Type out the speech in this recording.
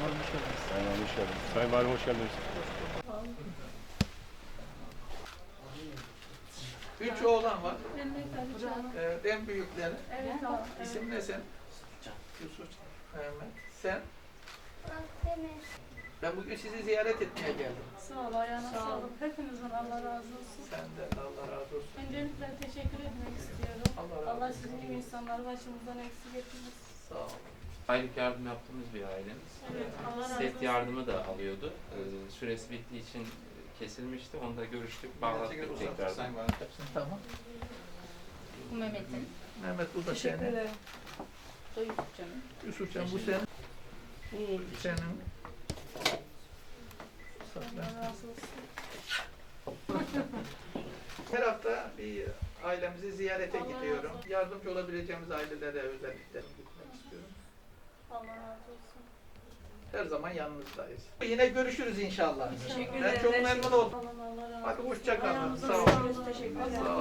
Valim hoş geldiniz. Sayın Valim hoş geldiniz. Sayın Valim hoş geldiniz. 3 oğlan var. Evet, En büyükleri. evet abi. İsim ne sen? Yusuf. Mehmet. Sen? Demir. Ben bugün sizi ziyaret etmeye geldim. Sağ ol, ayağına sağlık. Hepinizden Allah razı olsun. Sen de Allah razı olsun. Öncelikle teşekkür etmek istiyorum. Allah razı Allah olsun. sizin gibi insanları başımızdan eksik etmez. Sağ ol. Aylık yardım yaptığımız bir ailemiz. Evet, Allah razı Set olsun. yardımı da alıyordu. Süresi bittiği için kesilmişti. Onu da görüştük, bağlattık tekrar. Sayın Valim. Tamam. Bu Mehmet'in. Mehmet bu da Teşekkür senin. ederim. O Yusufcan'ın. Yusufcan bu senin. Bu senin. Allah razı olsun. Her hafta bir ailemizi ziyarete Allah razı gidiyorum. olsun. Yardımcı olabileceğimiz ailelere özellikle gitmek istiyorum. Allah razı olsun. Her zaman yanınızdayız. Yine görüşürüz inşallah. Teşekkür Ben ederim. çok memnun oldum. Allah razı olsun. Hadi hoşça kalın. Ayağınıza Sağ olun. sağlık. Teşekkür ederim.